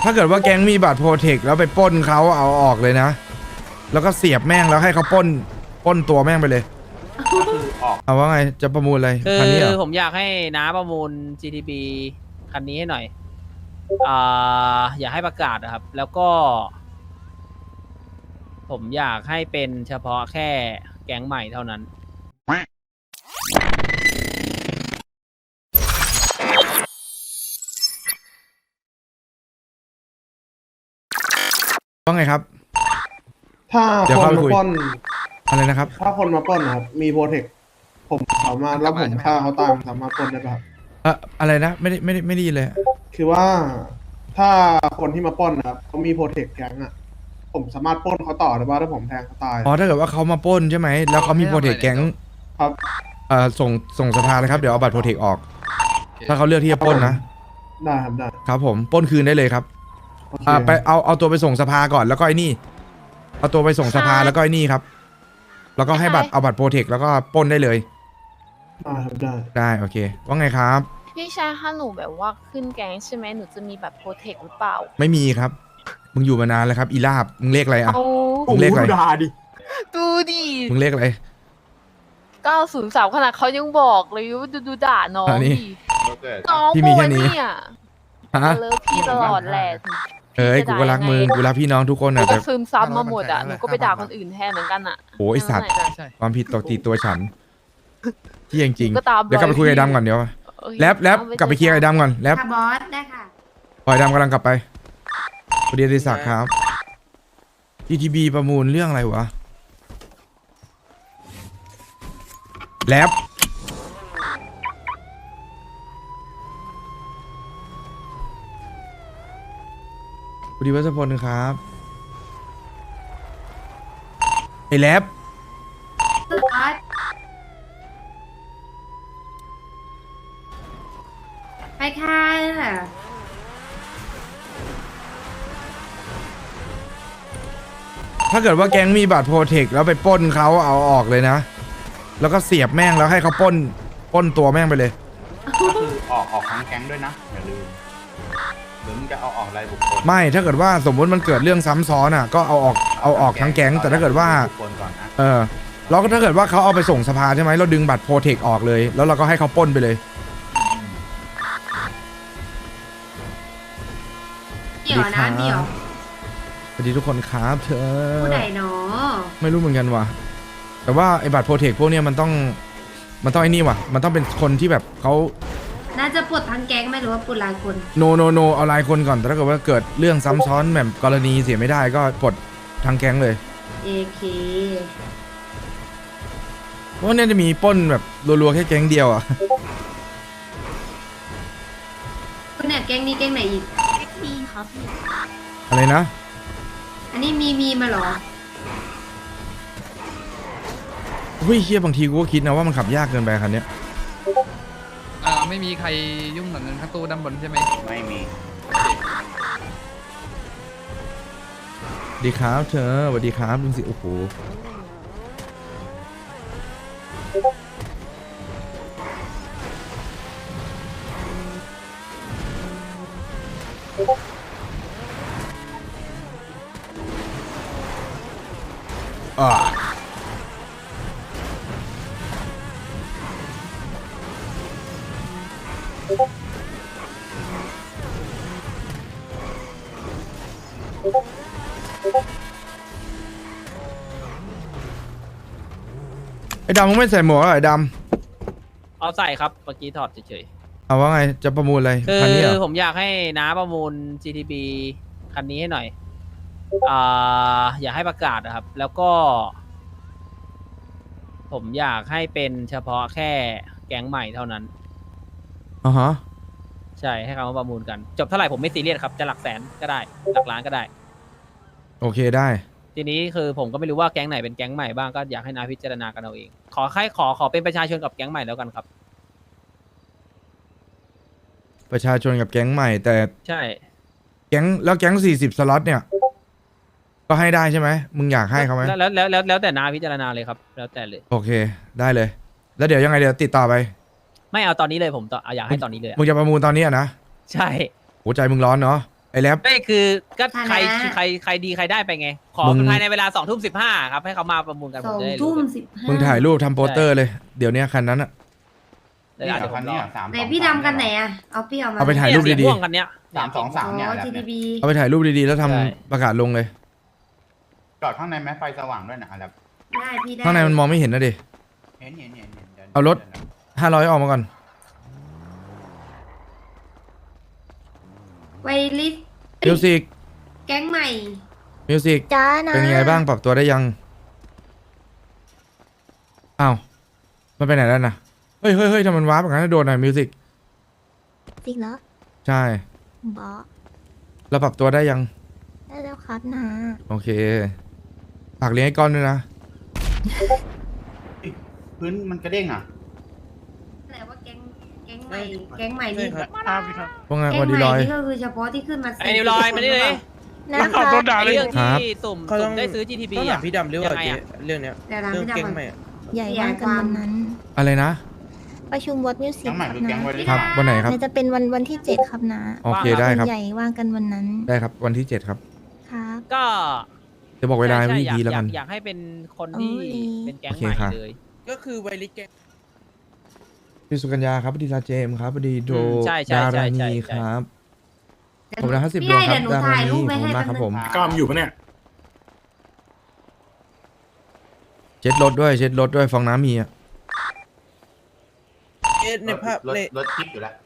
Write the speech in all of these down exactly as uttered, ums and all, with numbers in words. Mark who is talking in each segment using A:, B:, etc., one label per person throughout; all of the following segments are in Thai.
A: ถ้าเกิดว่าแก๊งมีบัตรโปรเทคแล้วไปปล้นเขาเอาออกเลยนะแล้วก็เสียบแม่งแล้วให้เขาปล้นปล้นตัวแม่งไปเลยเอาว่าไงจะประมูลอะไร
B: คื
A: คันนี้เหร
B: อ
A: อ
B: ผมอยากให้น้าประมูล จี ที บี คันนี้ให้หน่อยอ่าอยากให้ประกาศนะครับ แล้วก็ ผมอยากให้เป็นเฉพาะแค่แก๊งใหม่เท่านั้น
A: ว่าไงครับ
C: ถ้า
A: เดี๋ยว
C: คน
A: เข้าไป
C: มา
A: คุย
C: ปล้น
A: อะไรนะครับ
C: ถ้าคนมาปล้นนะครับ มีโปรเทค ผมสามารถแล้วผมฆ่าเขาตายผมสามารถปล้นได้ป่ะครับ
A: เอ่ออะไรนะไม่ได้ไม่ได้ไม่ได้ยินเลย
C: คือว่าถ้าคนที่มาปล้นนะครับเขามีโปรเทคแก๊งอ่ะ ผมสามารถปล้นเขาต่อได้ป่ะถ้าผมแทงเขาตาย
A: อ๋อถ้าเกิดว่าเขามาปล้นใช่ไหมแล้วเขามีโปรเทคแก๊ง
C: ครับ
A: เอ่อส่งส่งสภาเลยครับเดี๋ยวเอาบัตรโปรเทคออก ถ้าเขาเลือกที่จะปล้นนะ
C: ได้ครับได้
A: ครับผมปล้นคืนได้เลยครับ
C: โอเค
A: อ่าไปเอาเอาตัวไปส่งสภาก่อนแล้วก็ไอ้นี่เอาตัวไปส่งสภาแล้วก็ไอ้นี่ครับ แล้วก็ให้บัตรเอาบัตรโปรเทคแล้วก็ปล้นได้เลย
C: ได้ครับได้
A: ได้โอเคว่าไงครับ
D: พี่ชายถ้าหนูแบบว่าขึ้นแก๊งใช่ไหมหนูจะมีแบบโปรเทคหรือเปล่า
A: ไม่มีครับ มึงอยู่มานานแล้วครับอีลาบมึงเลขอะไรอ่ะ
D: เอา
A: มึงเลขอะไร
D: ดูดิ
A: มึงเลขอะไร
D: เก้าศูนย์สามขนาดเขายังบอกเลยว่าดูดูด่าน้อง
A: อันนี้
D: ดิน้อง
A: พี่
D: โม
A: มีแค่นี้
D: เนี่ย
A: ฮะ
D: เลิฟพี่ตลอดแหละถึง
A: เอ้ยกูก็รักมึงกูรักพี่น้องทุกคน
D: หนู
A: นะ
D: ก็
A: แต่
D: ซึมซับมาหมดอ่ะหนูก็ไปด่าคนอื่นแทนเหมือนกันอ่ะ
A: โอ้ยไอ้สัตว์
D: นั่นแหละ
E: ใช่
A: ความผิดตกติดตัวฉันที่จริง
D: ก็ตาม
A: ๆเดี๋ยวกลับไปคุยกับไอ้ดำก่อนเดี๋ยว
D: โอเค
A: แลบแลบ
D: เอา
A: กลับไปเคลียร์กับไอ้ดำก่อนแลบ
F: ค่ะบอสได้ค่ะ
A: ปล่อยดำกำลังกลับไปพอดีอดิศักดิ์ครับ จี ที บี ประมูลเรื่องอะไรวะแลบพอดีวัชพลครับไอ้แลบ
F: บอสไปค่ะ
A: ถ้าเกิดว่าแก๊งมีบัตรโปรเทคแล้วไปปล้นเขาเอาออกเลยนะแล้วก็เสียบแม่งแล้วให้เขาปล้นปล้นตัวแม่งไปเลย
G: ก็คือออกออกทั้งแก๊งด้วยนะอย่าลืมหรือมึงจะเอาออกรายบุคคล
A: ไม่ถ้าเกิดว่าสมมติมันเกิดเรื่องซ้ำซ้อนอ่ะก็เอาออกเอาออกทั้งแก๊งแต่ถ้าเกิดว่า
G: บุคคลก่อนนะ
A: เออแล้วก็ถ้าเกิดว่าเขาเอาไปส่งสภาใช่ไหมเราดึงบัตรโปรเทคออกเลย แล้วเราก็ให้เขาปล้นไปเลย
F: เดี๋ยวนะเดี๋ยว
A: สวัสดีทุกคนครับเธอ
F: ผู้ใดเนาะ
A: ไม่รู้เหมือนกันว่ะแต่ว่าไอ้บัตรโปรเทคพวกเนี้ยมันต้องมันต้องไอ้นี่ว่ะมันต้องเป็นคนที่แบบเขา
F: น่าจะปลดทั้งแก๊งไหมหรือว่าปลดรายคน
A: โนโนโนเอารายคนก่อนแต่ถ้าเกิดว่าเกิดเรื่องซ้ำซ้อนแบบกรณีเสียไม่ได้ก็ปลดทางแก๊งเลย
F: เอเค
A: เพราะว่าเนี่ยจะมีปล้นแบบรัวๆแค่แก๊งเดียวอ่ะ
F: คุณเนี่ยแก๊งนี้แก๊งไหนอีก
D: มีครับพี่
A: อะไรนะ
F: อันนี้มีมีมาเหรอ
A: เฮ้ยเฮียบางทีกูก็คิดนะว่ามันขับยากเกินไปคันเนี้ย
E: อ่าไม่มีใครยุ่งกับเงินข้างตู้ด้านบนใช่ไหม
G: ไม่มี
A: สวัสดีครับเธอสวัสดีครับลุงสิโอ้โหอ่าไอ้ดำมึงไม่ใส่หมวกเหรอไอ้ด
B: เอาใส่ครับเมื่อกี้ถอดเฉย
A: ำเอาว่าไงจะประมูลอะไร
B: ๆ คื
A: คันนี้เหร
B: อ
A: อ
B: ผมอยากให้น้าประมูล จี ที บี คันนี้ให้หน่อยอ่าอยากให้ประกาศนะครับ แล้วก็ ผมอยากให้เป็นเฉพาะแค่แก๊งใหม่เท่านั้น
A: อ่าฮะ
B: ใช่ให้เขามาประมูลกัน จบเท่าไหร่ผมไม่ซีเรียสครับ จะหลักแสนก็ได้ หลักล้านก็ได้
A: โอเคได้
B: ทีนี้คือผมก็ไม่รู้ว่าแก๊งไหนเป็นแก๊งใหม่บ้างก็อยากให้นาพิจารณากันเอาเอง ขอแค่ขอขอเป็นประชาชนกับแก๊งใหม่แล้วกันครับ
A: ประชาชนกับแก๊งใหม่ แต่
B: ใช่
A: แก๊งแล้วแก๊งสี่สิบสล็อตเนี่ย ก็ให้ได้ใช่ไหมมึงอยากให้เขาไหม
B: แล้วแล้วแล้วแล้วแล้วแต่นาพิจารณาเลยครับ แล้วแต่เลย
A: โอเคได้เลย แล้วเดี๋ยวยังไงเดี๋ยวติดต่อไป
B: ไม่เอาตอนนี้เลยผมต่อเอาอยากให้ตอนนี้เลยอะ
A: มึงจะประมูลตอนนี้อะนะ
B: ใช่
A: หัวใจมึงร้อนเนาะไออ้แรป
B: ไม่คือก็ใคร
F: ฐานะ
B: ใครใครดีใครได้ไปไง ขอ
A: มึง
B: ภายในเวลาสองทุ่มสิบห้าครับให้เขามาประมูลกัน
F: ส
B: ผม
F: อง
B: จะได้รู้
F: ทุ่มสิบห้า
A: มึงถ่ายรูปทำโปสเตอร์เลย เดี๋ยวเนี้ยคันนั้นอะ
B: เดี๋ยว
G: นี่
B: เดี๋ยวผ
G: คัน
B: มร
G: นี้
B: อ
G: สาม
F: ไหนพี่ดำกันไหนอะเอาพี่เอามา
A: เอาไปถ่ายรูป
B: เนี่
A: ดี
B: สีม่วงกันเนี้ย
G: สามสองสามเนี่ย
F: อ๋อ
G: แหละ
F: ที
G: เนี่
F: ดี
G: ย
F: บี
A: ๆ เอาไปถ่ายรูปดีๆ แล้วทำ
B: ใช่
A: ประกาศลงเลย
G: จอดข้างในแม้ไฟสว่างด้วยนะแล้ว
F: ได้พี่ได้
A: ข้างในมันมองไม่เห็นนะดิ
G: เห็นเห็นเห็นเห็นดี๋ยว
A: เอารถ ห้าร้อยออกมาก่อน
F: ไวลิส
A: มิวสิก
F: แก๊งใหม่
A: มิวสิก
D: จ้านะ
A: เป็นยังไงบ้างปรับตัวได้ยัง อ้าว มันไปไหนแล้วนะ เฮ้ยเฮ้ยเฮ้ยทำมันว้าแบบนั้นโดนหน่อยมิวสิก
D: จริงเหรอ
A: ใช่
D: บอส
A: เราปรับตัวได้ยัง
D: ได้แล้วครับนะ
A: โอเคฝากเลี้ยงไอ้ก้อนด้วยนะ
G: พื้นมันกระเด้งอ่ะ
F: แต่ว่าแก๊งแก๊งใหม่แก๊งใหม่นี่
A: พวกไง
F: แก๊
A: วัน
F: ง
A: ดี
F: ให
A: ล
F: ม่
A: อย
F: นี่ก็คือเฉพาะที่ขึ้นมา
B: ไอ้นิวลอยมานี่เลย
D: นะครับ
B: ไอ้เรื่อง
A: ครับ
B: ที่สุ่ม
H: เขาต้
B: สุ่
H: อง
B: มได้ซื้อ จี ที พี
H: ต้องถา
B: อ่ะ
H: มพี่ดำด้วยว่า
B: ยังไงอะ
H: เรื่องเนี้ย
F: แต่ร้าน
H: เรื่อง
F: พี่
H: แก๊ง
F: ดำ
H: ใหม่
F: อะ
H: อะ
D: ใหญ่ว่ากันวันนั้น
A: อะไรนะ
D: ประชุมวอดมิวสิก
G: แก๊งใหม่
D: ครับ
G: คือแก๊
D: นะ
G: งไวริส
A: ครับ วันไหนครับ
D: น่าจะเป็นวันวันที่เจ็ดครับนะ
A: โอเคได้ครับ
D: ใหญ่ว่างกันวันนั้น
A: ได้ครับ วันที่เจ็ดครับ
D: ครับ
B: ก็
A: จะบอกเวลา
B: ใช่
A: ไม่
B: ใช่
A: ดี
B: อยาก
A: แล้ว
B: อยา
A: กั
B: ก
A: น
B: อยากให้เป็นคนที่
D: โอ้ย
B: เป็นแก๊ง
A: โอเค
B: ใหม่
A: ค่ะ
B: เลย
H: ก็คือไวริสแก๊ง
A: พี่สุกัญญาครับพอดีลาเจมส์ครับพอดีโด
B: อืมใช่ใช่
A: ดา
B: ใช่
A: รา
B: ใช่
A: นี
B: ใช่
A: ครับ ผมนะห้าสิบ
F: พี่
A: ดว
F: ได้
A: งครับ
F: เดี๋ยวหนู
A: ดารา
F: ถ่าย
A: นี
F: รูป
A: ข
F: ไป
A: อบคุ
F: ให้
A: ณมากครับผม
G: ก้ามอยู่ปะเนี่ย
A: เช็ดรถด้วย เช็ดรถด้วยฟองน้ำมีอ่ะ
H: เอ๊ะในภาพ
G: รถ
H: ใน
G: รถทิพย์อยู่แล้ว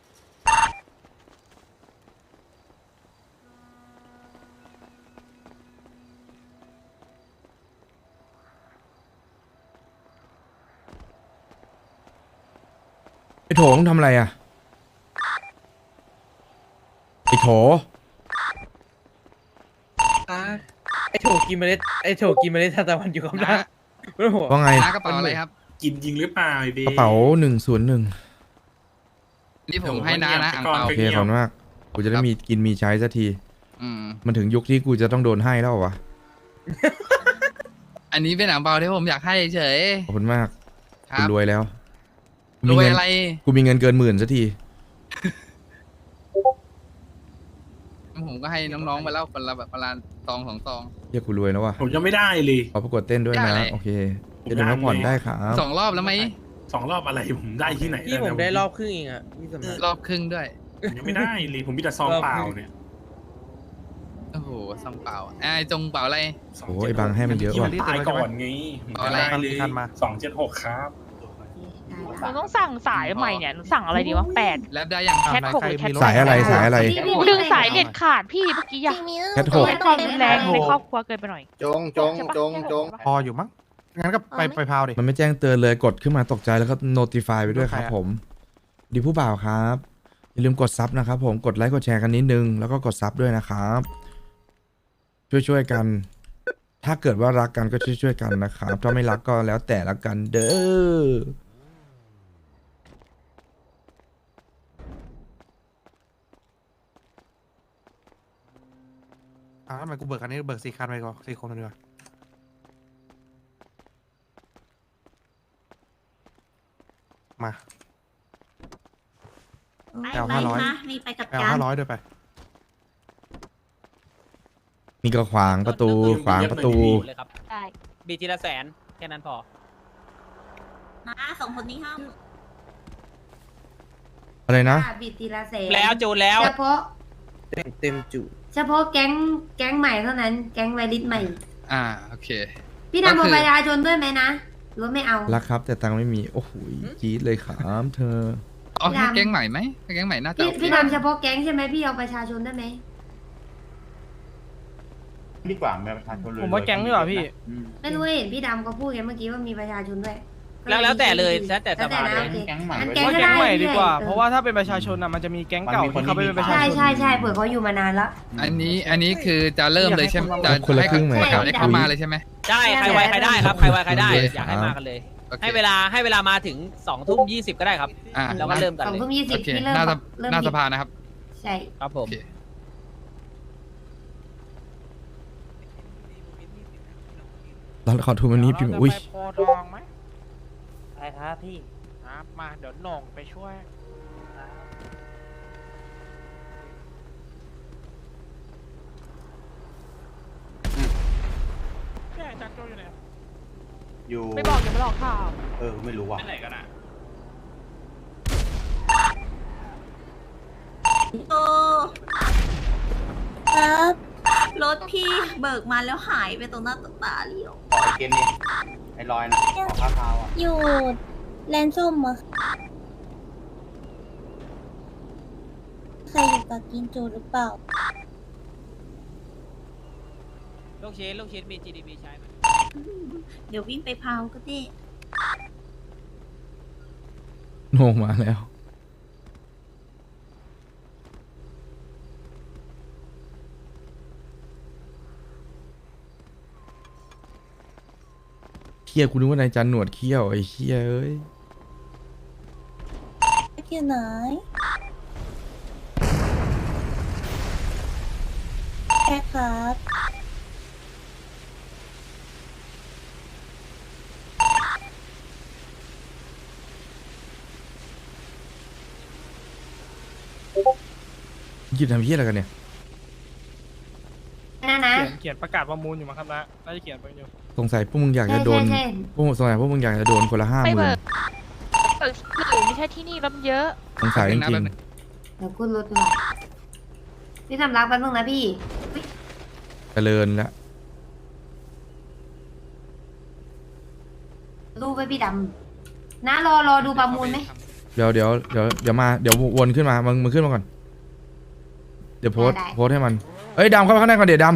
A: ไอ้โถงทำอะไรอ่ะ ไอ้โถ
H: อ่ะไอโถกินเมล็ดไอโถกินเมล็ดทานตะวันอยู่กับ
E: นะ
H: น้าโอ้โห
A: ว่าไง
E: น้ากระเป๋าอะไรครับ
I: กินจริงหรือเปล่าไอ้เบ
A: กระเป๋าหนึ่งศูนย์หนึ่ง
E: นี่ผมให้น้านะอังเปา
A: โอเคขอบคุณมาก กูจะได้มีกินมีใช้สักที
E: อืม
A: มันถึงยุคที่กูจะต้องโดนให้แล้วเหรอวะ
E: อันนี้เป็นอังเปาที่ผมอยากให้เฉย
A: ขอบคุณมาก
E: ครั
A: กู
E: บ
A: รวยแล้ว
E: รวย
A: มีเงิน
E: อะไร
A: กูมีเงินเกินหมื่นสักที
E: ผมก็ให้น้องๆไปแล้วคนละแบบประมาณซองสองซอง
A: เฮียกูรวยแล้ววะ
I: ผมยังไม่ได้เลย
A: ขอประกวดเต้นด้วย
E: ได้
A: นะ
E: เลย
A: โอเค จะดูพักผ่อนได้ครับ
E: สองรอบแล้วไหม
I: สองรอบอะไรผมได้ที่ไหน
H: พี่ผม
I: แล้ว
H: ได้
I: เนี่ย
H: รอบครึ่งเองอ่ะพี่สำนัก
E: รอบครึ่งด้วย
I: ผมยังไม่ได้เลยผมมีแต่ซองเปล่าเนี่ย
E: โอ้โหซองเปล่าไอ้จงเปล่าอะไร
A: โอ้ยไอ้บางให้มันเยอะว่ะ
I: ตายก่อนไงผม
E: เอาอะไร
I: ได้เลยสองเจ็ดหกครับ
F: ได้
D: หนูต้องสั่งสายใหม่เนี่ยหนูสั่งอะไรดีวะแปด
E: แล้วได้ยัง
D: แคทหกหรือแคท
A: สายอะไรสายอะไร
F: พี่พี่
D: ดึงสายเด็ดขาดพี่เมื่อกี้อะ
A: แคทหก
D: เป็นความรุนแรงในครอบครัวเกินไปหน่อย
G: จงจงจงจง
J: พออยู่มั้ง งั้นก็ไปไปพาวดิ
A: มันไม่แจ้งเตือนเลยกดขึ้นมาตกใจแล้วก็ notify ไปด้วยครับผม ดีผู้บ่าวครับ อย่าลืมกดซับนะครับผมกดไลค์กดแชร์กันนิดนึง แล้วก็กดซับด้วยนะครับ ช่วยๆกัน ถ้าเกิดว่ารักกันก็ช่วยๆกันนะครับ ถ้าไม่รักก็แล้วแต่ละกันเด้อ
J: อ่าทำไมกูเบิกคันนี้เบิกสี่คันไปก่อนสี่คนเลยดีกว่ามา แอลห้าร้อย
F: มีไปกับ
J: แอล
F: จาน
J: ห้าร้อยด้วยไป
A: มีก็ขวางประตู ขวางประตู
B: เลยครับ
D: ได้
B: บีทีละแสนแค่นั้นพอ
F: มาสองคนนี้ห้าม
A: อะไรนะ
F: บิดทีละแสน
B: แล้วจูนแล้ว
F: เฉพาะ
H: เต็มเต็มจุ
F: เฉพาะแก๊งแก๊งใหม่เท่านั้น แก๊งไวริสใหม่
E: อ่าโอเค
F: พี่ดำ
E: ก็
F: เอา
E: คือ
F: ประชาชนด้วยไหมนะหรือว่าไม่เอา
A: รักครับแต่ตังค์ไม่มี โอ้โหจี๊ดเลยครับเธอ
E: เอาแค่แก๊งใหม่ไหมแก๊งใหม่น่าจะ
F: พี่
E: โอเค
F: พี่ดำเฉพาะแก๊งใช่ไหมพี่เอาประชาชนได้ไหม
G: ดีกว่าแม่ประชาชนเลย
B: ผมว่าแก๊งดีกว่าพี่
G: อืม
F: ไม่รู้เห็นพี่ดำเขาพูดกันเมื่อกี้ว่ามีประชาชนด้วย
B: แล้วแล้วแต่เลยแล้วแต่สบายเลย
F: โอค
G: แก๊งใหม่
F: งั้น
G: ไว้
F: แก๊ง
G: ด้วย
F: ก็
B: แก๊ง
F: ได้
B: ใหม่ดีกว่า
F: ออ
B: เพราะว่าถ้าเป็นประชาชนอ่ะมันจะมีแก๊งเก่าที่เขาไปเป็นประชา
F: ใช่
B: ชน
F: ใช่ใช่เผื่อเขาอยู่มานานแล้ว
E: อันนี้อันนี้คือจะเริ่มเลยใช่ไหมจะ
A: คนละครึ่งไหม
E: ให้ข่าวได้เข้ามาเลยใช่ไหม
B: ใช่ใครไวใครได้ครับใครไวใครได้
A: โอเค
B: อยากให้มากันเลย
E: โอเค
B: ให้เวลาให้เวลามาถึงสองทุ่มยี่สิบก็ได้ครับ
E: อ่า
B: แล้วก็เริ่มกัน
F: สอง
B: เลย
F: ทุ่มยี่สิ
E: โอบ เค
F: ที่เริ่ม
E: หน้าส
F: เริ่ม
E: หน้า
F: บิ
E: ส
F: ด
E: ภานะครับ
F: ใช่
B: ครับผม
E: โอเค
A: เราขอทูมันนี้พิมพ์อุ้ย
B: โพทองไหม
H: ไปครับพี่
B: ครับมาเดี๋ยวหน่งไปช่วยโจอยู่ไหน
G: อยู่
D: ไม่บอกอย่ามาหลอกข่าว
G: เออ ไม่รู้ว่ะ
I: ไปไหนกันอ่ะ
F: โอ้ครับรถพี่เบิกมาแล้วหายไปตรงหน้าต่อตาเลี้ยว
G: ขอไอเกมนี้ไอ้ลอยนะขอข้าวเท้าอ่ะ
F: อยู่แลนส้มอะใครอยู่กับกินจูหรือเปล่า
B: ลูกชิ้นลูกชิ้นมี จี ดี บี ใช้ไหม
F: เดี๋ยววิ่งไปพาวก็ได้
A: โหนงมาแล้วเคี้ยกูนึกว่านายจันหนวดเขี้ยวไอ้เคี้ยเอ้ย
F: อยู่ไหนแค่ครับ
A: หยิบทำเคี้ยอะไรกันเนี่ย
F: นะนะ
B: เขียนเขียนประกาศประมูลอยู่มั้งครับนะน่าจะเขียนไปอยู่
A: สงสัยพวกมึงอยากจะโดน
F: ใช่
A: พวกมึงสงสัยพวกมึงอยากจะโดนคนละห้าห
D: ไม่
A: มื่
D: เบิ
A: น
D: กเบิกที่อื่นไม่ใช่ที่นี่แล้วมันเยอะ
A: สงสัยจ
E: แป๊บ
A: ริ
E: นึ
A: ง
E: งนะ
F: เดี๋ยวขึ้นรถมาพี่ทำรักแป๊บนึงนะพี่อุ๊ย
A: ๆเจริญแล้ว
F: รูปไว้พี่ดำนะรอรอดูประมูลไหม
A: เดี๋ยวเดี๋ยวเดี๋ยวเดี๋ยวมาเดี๋ยววนขึ้นมามึงมึงขึ้นมาก่อน เดี๋ยวโพสต์
F: ได้
A: โพสต์ให้มันเอ้ยดำเข้าไปข้างในก่อนเดี๋ยวด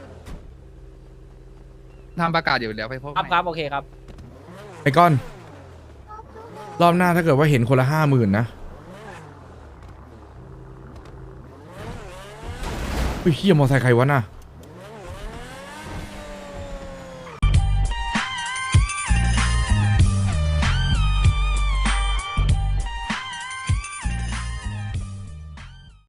E: ทำประกาศอยู่เดี๋ยวไปพบ
B: ครับครับโอเคครับ
A: ำไอ้ก้อน รอบหน้าถ้าเกิดว่าเห็นคนละห้าหมื่นนะเฮ้ยเฮียมอไซค์ใครวะน่ะ